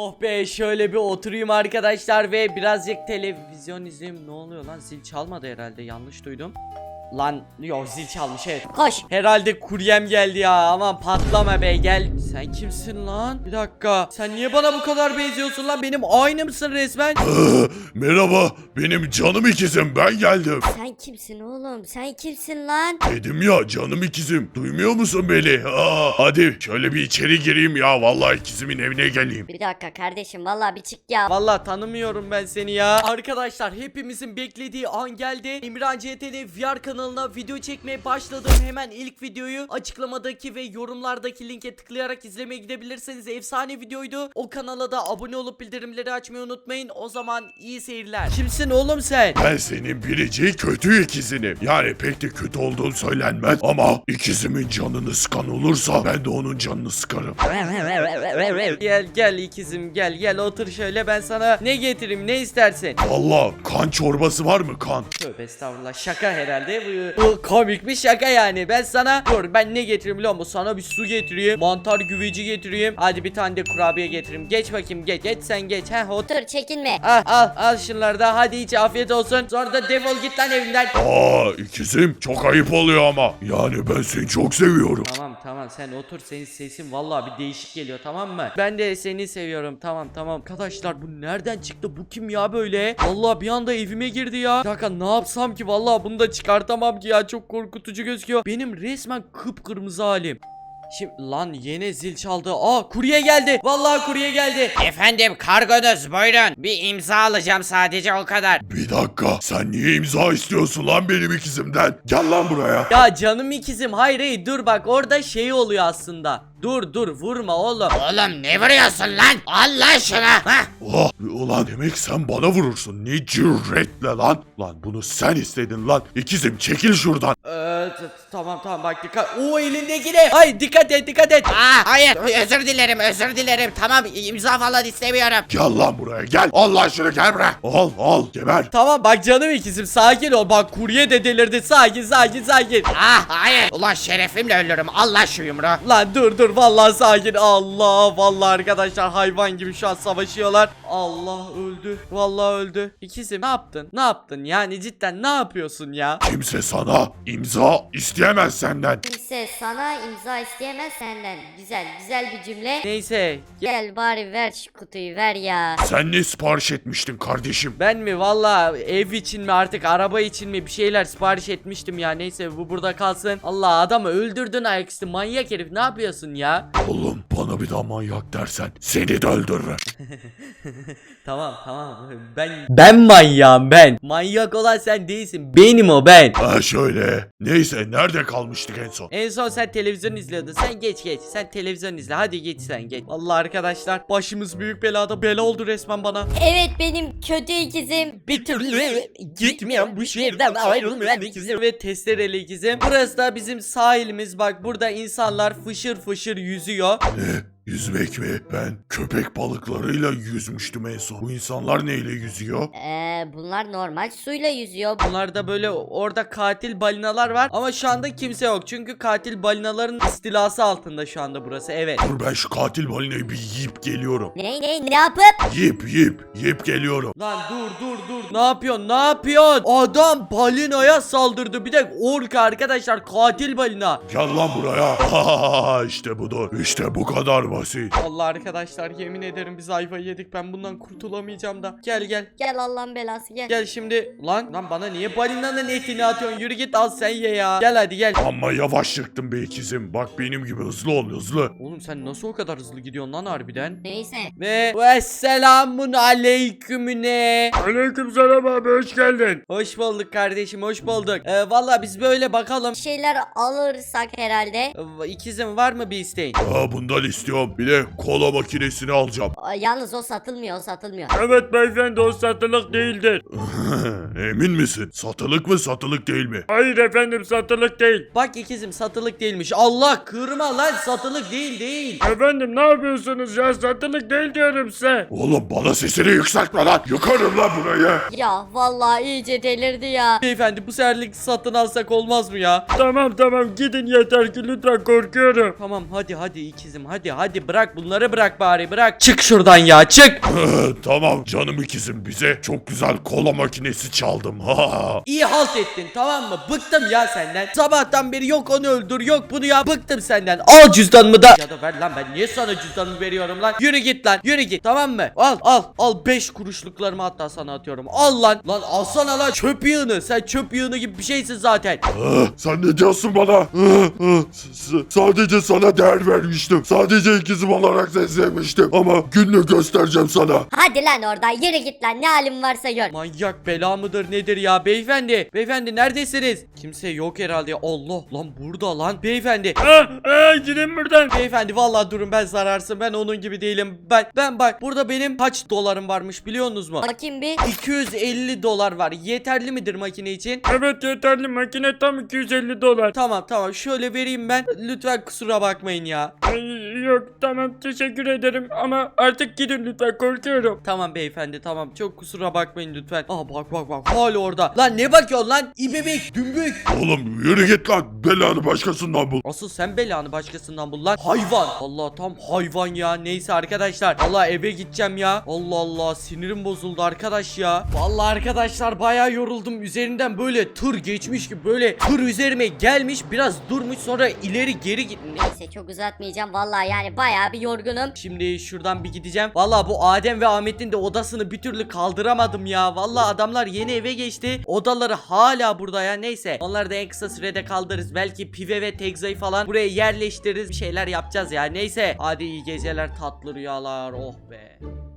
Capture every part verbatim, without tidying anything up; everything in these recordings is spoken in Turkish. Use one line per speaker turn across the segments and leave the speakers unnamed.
Oh be, şöyle bir oturayım arkadaşlar ve birazcık televizyon izleyeyim. Ne oluyor lan, zil çalmadı herhalde, yanlış duydum. Lan yok, zil çalmış, evet.
Koş.
Herhalde kuryem geldi ya, aman patlama be, gel. Sen kimsin lan? Bir dakika, sen niye bana bu kadar benziyorsun lan, benim aynı mısın resmen?
Merhaba, benim canım ikizim, ben geldim.
Sen kimsin oğlum? Sen kimsin lan?
Dedim ya, canım ikizim, duymuyor musun beni? Aa, hadi şöyle bir içeri gireyim ya, vallahi ikizimin evine geleyim.
Bir dakika kardeşim, vallahi bir çık ya.
Vallahi tanımıyorum ben seni ya. Arkadaşlar, hepimizin beklediği an geldi. Emirhan C T R V R kanalına video çekmeye başladım. Hemen ilk videoyu açıklamadaki ve yorumlardaki linke tıklayarak izlemeye gidebilirsiniz. Efsane videoydu. O kanala da abone olup bildirimleri açmayı unutmayın. O zaman iyi seyirler. Kimsin oğlum sen?
Ben senin biricik kötü ikizinim. Yani pek de kötü olduğun söylenmez ama ikizimin canını sıkan olursa ben de onun canını sıkarım.
Gel gel ikizim, gel gel otur şöyle, ben sana ne getireyim, ne istersin?
Vallahi kan çorbası var mı, kan?
Tövbe estağfurullah, şaka herhalde bu, bu komik bir şaka yani. Ben sana dur, ben ne getireyim biliyor musun? Sana bir su getireyim, mantar güveci getireyim, hadi bir tane de kurabiye getireyim. Geç bakayım, geç geç sen geç, heh otur.
Otur, çekinme.
Al al al şunları da, hadi iç, afiyet olsun. Sonra da defol git lan evimden.
Aa, ikizim, çok ayıp oluyor ama. Yani ben seni çok seviyorum.
Tamam tamam, sen otur, senin sesin vallahi bir değişik geliyor, tamam mı? Ben de seni seviyorum, tamam tamam. Arkadaşlar, bu nereden çıktı, bu kim ya böyle? Vallahi bir anda evime girdi ya. Bir dakika, ne yapsam ki, vallahi bunu da çıkartamam ki ya, çok korkutucu gözüküyor. Benim resmen kıpkırmızı halim. Şimdi lan, yine zil çaldı. Aa, kurye geldi. Vallahi kurye geldi.
Efendim, kargonuz buyurun. Bir imza alacağım sadece, o kadar.
Bir dakika, sen niye imza istiyorsun lan benim ikizimden? Gel lan buraya.
Ya canım ikizim, hayır hayır, dur bak, orada şey oluyor aslında. Dur dur, vurma oğlum.
Oğlum ne vuruyorsun lan? Al lan şunu. Hah.
Oh, ulan demek sen bana vurursun. Ne cüretle lan. Lan bunu sen istedin lan. İkizim, çekil şuradan.
Ee, t- tamam tamam, bak dikkat. O elindekine. Ay, dikkat et dikkat et.
Aa, hayır, özür dilerim, özür dilerim. Tamam, imza falan istemiyorum.
Gel lan buraya, gel. Al lan şunu, gel buraya. Al al, geber.
Tamam bak canım ikizim, sakin ol. Bak kurye de delirdi. Sakin sakin sakin.
Ah, hayır. Ulan şerefimle ölürüm. Al lan şu yumruğu.
Lan dur dur, vallahi sakin. Allah, vallahi arkadaşlar hayvan gibi şu an savaşıyorlar. Allah, öldü. Vallahi öldü. İkizim, ne yaptın? Ne yaptın? Yani cidden ne yapıyorsun ya?
Kimse sana imza isteyemez senden.
Kimse sana imza isteyemez senden. Güzel, güzel bir cümle.
Neyse.
Gel bari ver şu kutuyu, ver ya.
Sen ne sipariş etmiştin kardeşim?
Ben mi? Vallahi ev için mi artık, araba için mi bir şeyler sipariş etmiştim ya. Neyse, bu burada kalsın. Allah, adamı öldürdün ayaküstü, manyak herif, ne yapıyorsun ya?
Oğlum, bana bir daha manyak dersen seni de öldürürüm.
Tamam tamam, ben ben manyağım ben. Manyak olan sen değilsin, benim o, ben.
Ha şöyle. Neyse, nerede kalmıştık en son?
En son sen televizyon izliyordun. Sen geç geç. Sen televizyon izle. Hadi geç sen geç. Vallahi arkadaşlar, başımız büyük belada. Bela oldu resmen bana.
Evet, benim kötü ikizim.
Bir türlü gitmiyorum bu şehirden, ayrılmayan ikizim ve testereli ikizim. Burası da bizim sahilimiz. Bak, burada insanlar fışır fışır yüzüyor.
Ne? Yüzmek mi? Ben köpek balıklarıyla yüzmüştüm en son. Bu insanlar neyle yüzüyor?
Eee bunlar normal suyla yüzüyor.
Bunlar da böyle, orada katil balinalar var ama şu anda kimse yok. Çünkü katil balinaların istilası altında şu anda burası, evet.
Dur, ben şu katil balinayı bir yiyip geliyorum.
Ne ne ne yapıp?
Yiyip yiyip yiyip geliyorum.
Lan dur dur dur. Ne yapıyorsun? Ne yapıyorsun? Adam balinaya saldırdı. Bir de ork arkadaşlar, katil balina.
Gel lan buraya. Ha, işte budur. İşte bu kadar basit.
Allah arkadaşlar, yemin ederim biz ayvayı yedik. Ben bundan kurtulamayacağım da. Gel gel.
Gel Allah'ın belası, gel.
Gel şimdi. Lan lan bana niye balinanın etini atıyorsun? Yürü git, al sen ye ya. Gel hadi gel.
Ama yavaş çıktım be ikizim. Bak benim gibi hızlı ol, hızlı.
Oğlum sen nasıl o kadar hızlı gidiyorsun lan harbiden?
Neyse.
Ve vesselamun aleykümüne.
Aleykümselam abi, hoş geldin.
Hoş bulduk kardeşim, hoş bulduk. Ee, Valla biz böyle bakalım.
Bir şeyler alırsak herhalde.
Ee, İkizim, var mı bir isteğin?
Aa, bundan istiyorum. Bir de kola makinesini alacağım.
Aa, Yalnız o satılmıyor, o satılmıyor.
Evet beyefendi, o satılık değildir.
Emin misin? Satılık mı, satılık değil mi?
Hayır efendim, satılık değil.
Bak ikizim, satılık değilmiş. Allah, kırma lan, satılık değil değil.
Efendim ne yapıyorsunuz ya, satılık değil diyorum size.
Oğlum, bana sesini yükseltme lan. Yıkarım lan burayı.
Ya vallahi iyice delirdi ya.
Beyefendi, bu seferlik satın alsak olmaz mı ya?
Tamam tamam, gidin yeter ki, lütfen, korkuyorum.
Tamam hadi hadi ikizim, hadi hadi. hadi bırak bunları, bırak bari, bırak. Çık şuradan ya, çık.
Tamam canım ikizim, bize çok güzel kola makinesi çaldım. Ha.
İyi halt ettin, tamam mı? Bıktım ya senden. Sabahtan beri yok onu öldür, yok bunu ya, bıktım senden. Al cüzdanımı da. Ya da ver lan, ben niye sana cüzdanımı veriyorum lan? Yürü git lan, yürü git, tamam mı? Al al al, beş kuruşluklarımı hatta sana atıyorum. Al lan. Lan alsana lan çöp yığını. Sen çöp yığını gibi bir şeysin zaten.
Ah, sen ne diyorsun bana? Ah, ah, s- s- Sadece sana değer vermiştim. Sadece ikizim olarak seni sevmiştim. Ama gününü göstereceğim sana.
Hadi lan oradan yürü git lan, ne halin varsa gör.
Manyak bela mıdır nedir ya beyefendi? Beyefendi neredesiniz? Kimse yok herhalde. Allah lan, burada lan. Beyefendi.
Ah, ah, gidin buradan.
Beyefendi vallahi durun, ben zararsın. Ben onun gibi değilim. Ben ben bak, burada benim kaç dolarım varmış biliyorsunuz mu?
Bakayım bir.
iki yüz elli dolar var. Yeterli midir makine için?
Evet yeterli, makine tam iki yüz elli dolar.
Tamam tamam, şöyle vereyim ben. Lütfen kusura bakmayın ya.
Ay, yok tamam, teşekkür ederim ama artık gidin lütfen, korkuyorum.
Tamam beyefendi, tamam, çok kusura bakmayın lütfen. Aa bak bak bak, hala orada. Lan ne bakıyorsun lan? İbebek, dümbük.
Oğlum yürü git lan. Belanı başkasından bul.
Asıl sen belanı başkasından bul lan. Hayvan. Allah, tam hayvan ya. Neyse arkadaşlar. Allah, eve gideceğim ya. Allah Allah, sinirim bozuldu arkadaş ya. Vallahi arkadaşlar bayağı yoruldum. Üzerinden böyle tır geçmiş gibi, böyle tır üzerime gelmiş, biraz durmuş, sonra ileri geri git.
Neyse çok uzatmayacağım vallahi, yani bayağı bir yorgunum.
Şimdi şuradan bir gideceğim. Vallahi bu Adem ve Ahmet'in de odasını bir türlü kaldıramadım ya. Vallahi adamlar yeni eve geçti. Odaları hala burada ya. Neyse. Onları da en kısa sürede kaldırırız. Belki Pive ve Tegza'yı falan buraya yerleştiririz. Bir şeyler yapacağız ya. Neyse. Hadi iyi geceler, tatlı rüyalar. Oh be.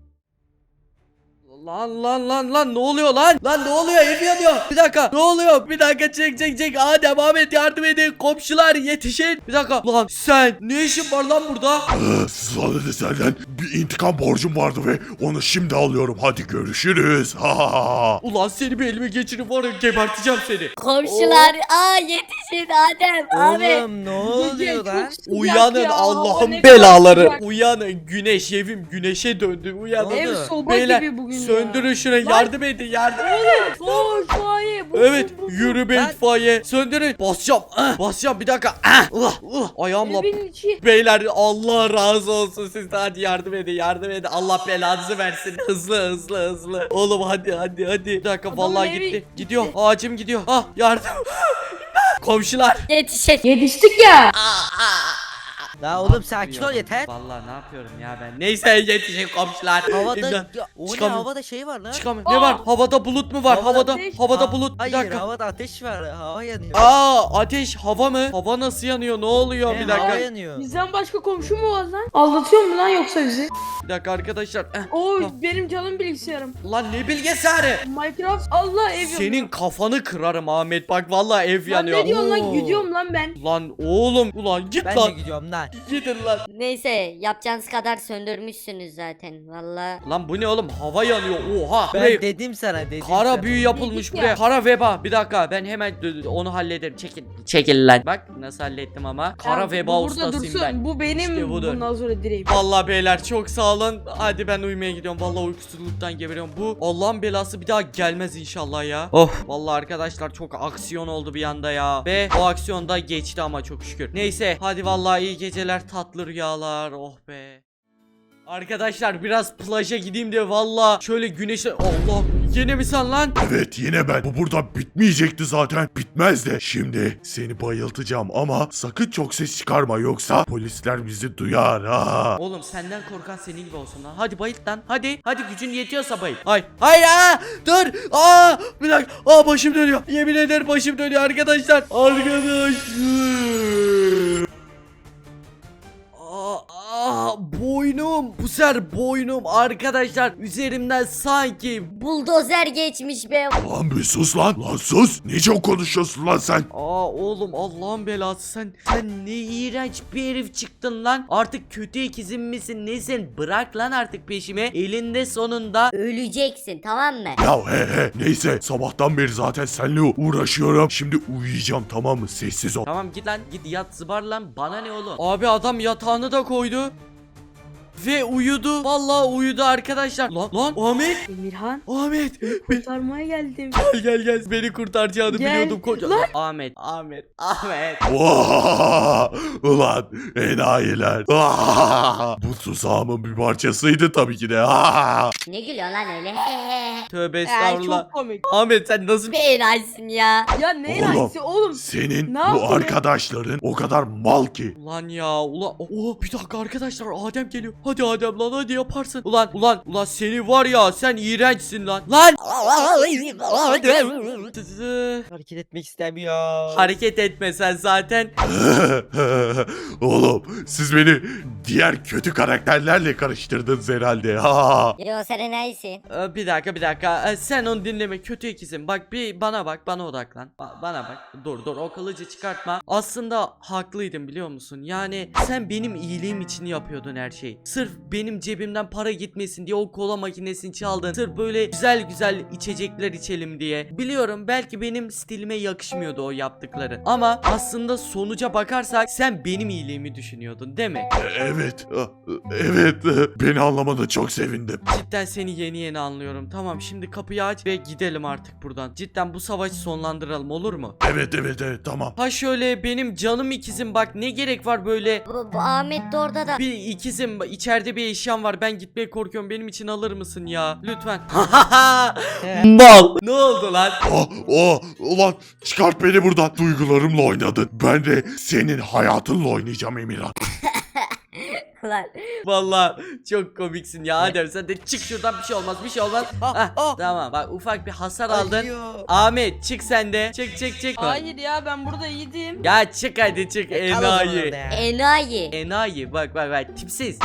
Lan lan lan lan, ne oluyor lan? Lan ne oluyor? Ev yanıyor. Bir dakika. Ne oluyor? Bir dakika, çek çek çek. Adem, Ahmet yardım edin. Komşular yetişin. Bir dakika. Lan sen ne işin var lan burada?
Ah, Sadece senden bir intikam borcum vardı ve onu şimdi alıyorum. Hadi görüşürüz. Ha ha ha.
Ulan seni bir elime geçirip var ya, geberteceğim seni.
Komşular, aa yetişin Adem abi.
Oğlum ne oluyor lan?
Uyanın
ya,
Allah'ın
ne kadar
belaları.
sıcak.
Uyanın, güneş, evim güneşe döndü. Uyanın.
Ne
Ev
oldu?
soba
Beyler,
gibi bugün
söndürün
ya.
şurayı, yardım edin, yardım edin.
Koş faiye. bu-
Evet,
bu- bu-
yürü be
Lan.
itfaiye. Söndürün. Basacağım. Ah, basacağım bir dakika. Ah, uh, uh. Ayağımla.
Evin içi.
Beyler Allah razı olsun, siz de hadi yardım edin, yardım edin. Allah belanızı versin. Hızlı hızlı hızlı. Oğlum hadi hadi hadi. Bir dakika,
Adamın
vallahi
evi
gitti.
gitti.
Gidiyor. Ağacım gidiyor. Ah, yardım. Komşular.
Yetişin.
Yetiştik ya.
La oğlum sakin ol yeter.
Vallahi ne yapıyorum ya ben. Neyse yetişin komşular.
Havada
İmdat.
ya, o ne
Çıkamıyorum.
havada şey var lan.
Çıkamıyorum. Ne var? Havada bulut mu var?
Havada
Havada
ateş.
havada
Ha-
bulut. Bir
Hayır
dakika.
havada ateş var. Hava yanıyor.
Aa, ateş, hava mı? Hava nasıl yanıyor? Ne oluyor?
He,
Bir
Hava
dakika.
yanıyor.
Bizden başka komşu mu var lan? Aldatıyor mu lan yoksa bizi?
Bir dakika arkadaşlar. Eh,
Oo
tamam.
benim canım bilgisayarım.
Lan ne bilgisayarı?
Minecraft Allah ev yanıyor.
Senin kafanı kırarım Ahmet. Bak vallahi ev
Lan
yanıyor.
ne diyorsun lan,
Oo.
gidiyorum lan ben.
Lan oğlum, ulan git
Ben
lan.
de gidiyorum lan.
Gidin lan.
Neyse yapacağınız kadar söndürmüşsünüz zaten valla.
Lan bu ne oğlum? Hava yanıyor. Oha.
Ben
Buraya
dedim sana dedim
kara
sana.
büyü yapılmış
Dedik
buraya.
ya.
Kara veba. Bir dakika, ben hemen d- d- onu hallederim. Çekil. Çekil lan. Bak nasıl hallettim ama. Kara
Ya,
veba
bu burada
ustasıyım
dursun.
ben.
Bu benim
İşte budur.
bundan sonra direğim.
Vallahi beyler çok sağ olun. Hadi ben uyumaya gidiyorum. Vallahi uykusuzluktan geberiyorum. Bu Allah'ın belası bir daha gelmez inşallah ya. Oh. Vallahi arkadaşlar çok aksiyon oldu bir anda ya. Ve o aksiyon da geçti ama çok şükür. Neyse hadi vallahi iyi geceler, tatlı rüyalar. Oh be. Arkadaşlar biraz plaja gideyim de vallahi şöyle güneşe... Allah, yine mi sen lan?
Evet yine ben. Bu burada bitmeyecekti zaten. Bitmez de. Şimdi seni bayıltacağım ama sakın çok ses çıkarma yoksa polisler bizi duyar ha.
Oğlum senden korkan senin gibi olsun lan. Hadi bayılt lan. Hadi. Hadi gücün yetiyorsa bayılt. Hayır. Hayır aa! Dur. Aa! Bir dakika. Aa, başım dönüyor. Yemin ederim başım dönüyor arkadaşlar. Arkadaşlar. Aa, aa, boynum. Bu sefer boynum arkadaşlar. Üzerimden sanki.
Buldozer geçmiş be.
Lan bir sus lan. Lan sus. Ne çok konuşuyorsun lan sen?
Aa oğlum, Allah'ın belası, sen sen ne iğrenç bir herif çıktın lan. Artık kötü ikizim misin nesin? Bırak lan artık peşimi. Elinde sonunda.
Öleceksin tamam mı?
Ya he he. Neyse sabahtan beri zaten seninle uğraşıyorum. Şimdi uyuyacağım tamam mı? Sessiz ol.
Tamam git lan, git yat, zıbar lan, bana ne oğlum. Abi adam yatağını da koydu. ve uyudu. Vallahi uyudu arkadaşlar. Lan lan Ahmet.
Emirhan
Ahmet.
kurtarmaya geldim.
Gel gel gel. Beni kurtaracağını
Gel.
biliyordum koca.
Lan.
Ahmet. Ahmet. Ahmet.
Vaa! Ulan enayiler. Vaa! Bu tuzağımın bir parçasıydı tabii ki de. Aa!
Ne gülüyor lan öyle?
Tövbe
Ee,
estağfurullah.
çok komik.
Ahmet sen nasıl
Bir enayisin ya.
Ya ne
Oğlum.
enayisi oğlum?
Senin
Ne
bu
yapayım?
arkadaşların o kadar mal ki.
Ulan ya ulan oh bir dakika arkadaşlar Adem geliyor. Hadi Adem lan hadi yaparsın. Ulan ulan ulan seni var ya sen iğrençsin lan. Lan.
Hareket etmek istemiyor.
Hareket etme sen zaten.
Oğlum siz beni diğer kötü karakterlerle karıştırdınız herhalde. Ha.
Yo sen enayisin.
Ee, Bir dakika bir dakika. Ee, Sen onu dinleme kötü ikizim. Bak bir bana bak bana odaklan. Ba- bana bak. Dur dur o kılıcı çıkartma. Aslında haklıydım biliyor musun? Yani sen benim iyiliğim için yapıyordun her şeyi. Sırf benim cebimden para gitmesin diye o kola makinesini çaldın. Sırf böyle güzel güzel içecekler içelim diye. Biliyorum belki benim stilime yakışmıyordu o yaptıkları. Ama aslında sonuca bakarsak sen benim iyiliğimi düşünüyordun değil mi?
Evet. Evet. Beni anlamana çok sevindim.
Cidden seni yeni yeni anlıyorum. Tamam şimdi kapıyı aç ve gidelim artık buradan. Cidden bu savaşı sonlandıralım olur mu?
Evet evet evet tamam.
Ha şöyle benim canım ikizim bak ne gerek var böyle.
Bu, bu Ahmet de orada da.
Bir ikizim içeride bir eşyam var ben gitmeye korkuyorum benim için alır mısın ya lütfen. Mal. Ne oldu lan?
Oh, oh, ulan çıkart beni buradan. Duygularımla oynadın. Ben de senin hayatınla oynayacağım Emirhan.
Lan.
Vallahi çok komiksin ya Adem sen de çık şuradan bir şey olmaz bir şey olmaz.
Ah,
Hah,
ah.
tamam bak ufak bir hasar aldın.
Acıyor.
Ahmet çık sen de çık çık çık.
Hayır ya ben burada iyiydim.
Ya çık hadi çık
Kal o zaman
enayi.
orada ya.
Enayi.
Enayi bak bak bak tipsiz.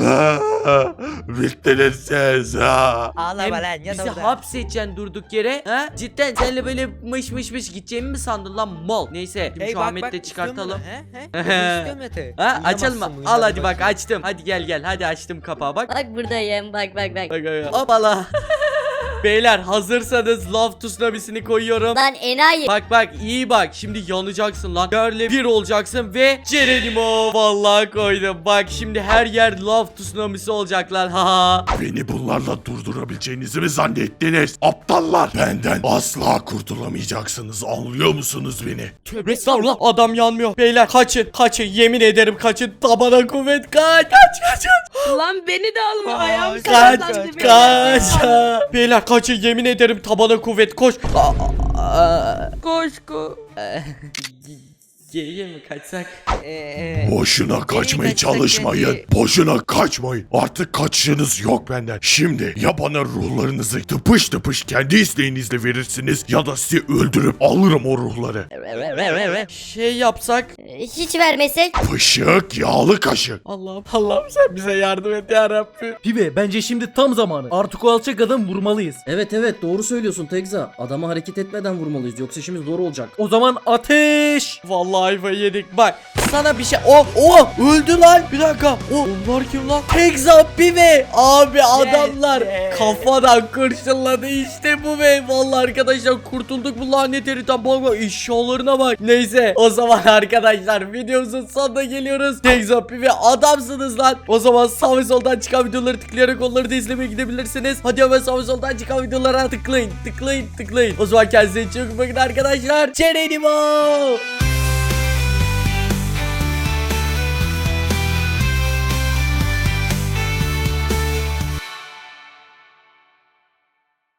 Bittiniz siz. Ha.
Ağlama
Hem
lan yat
bizi
orada.
hapsedeceksin durduk yere. Ha? Cidden seninle böyle mış mış mış gideceğimi mi sandın lan mal? Neyse şimdi
Hey,
şu
bak,
Ahmet'i
bak,
de
istiyor musun?
çıkartalım.
He, he? İstiyor musun Mete?
Ha açalım mı?
Uyuyamazsın,
Al
uyuyadı
hadi bak
bakayım.
açtım. Hadi gel gel hadi açtım kapağı bak.
Bak buradayım bak bak bak.
Bak bak bak. Hopala. Beyler hazırsanız love tsunamisini koyuyorum.
Lan enayi.
Bak bak iyi bak şimdi yanacaksın lan. Yerle bir olacaksın ve Cerenimo vallahi koydum. Bak şimdi her yer love tsunamisi olacak lan. Ha.
Beni bunlarla durdurabileceğinizi mi zannettiniz? Aptallar. Benden asla kurtulamayacaksınız. Anlıyor musunuz beni?
Tövbe estağfurullah adam yanmıyor. Beyler kaçın kaçın yemin ederim kaçın. Tabana kuvvet kaç kaç kaç kaç.
Lan beni de alma ayağım
Kaç
sakatlandı.
kaç. Beyler kaçın yemin ederim tabana kuvvet koş. Aa, aa,
Koş koş.
Geriye mi kaçsak?
Ee,
Boşuna kaçmaya
kaçsak
çalışmayın.
bence.
Boşuna kaçmayın. Artık kaçışınız yok benden. Şimdi ya bana ruhlarınızı tıpış tıpış kendi isteğinizle verirsiniz ya da sizi öldürüp alırım o ruhları.
Şey yapsak.
Ee, Hiç vermesek.
Pışık yağlı kaşık.
Allah'ım Allah'ım sen bize yardım et ya Rabbim.
Pibe bence şimdi tam zamanı. Artık o alçak adamı vurmalıyız.
Evet evet doğru söylüyorsun Tekza. Adamı hareket etmeden vurmalıyız yoksa işimiz zor olacak.
O zaman ateş.
Vallahi ayva yedik bak. Sana bir şey. Oh oh öldü lan. Bir dakika. Oh, onlar kim lan? Tekza Pive. Abi adamlar
yes.
kafadan kurşunladı işte bu be. Vallahi arkadaşlar kurtulduk bu lanet heriften. Bak bak eşyalarına bak. Neyse o zaman arkadaşlar videomuzun sonuna geliyoruz. Tekza Pive adamsınız lan. O zaman sağ ve soldan çıkan videoları tıklayarak onları da izlemeye gidebilirsiniz. Hadi hemen sağ ve soldan çıkan videolara tıklayın tıklayın tıklayın. O zaman kendinize çok bakın arkadaşlar. Cerenimo.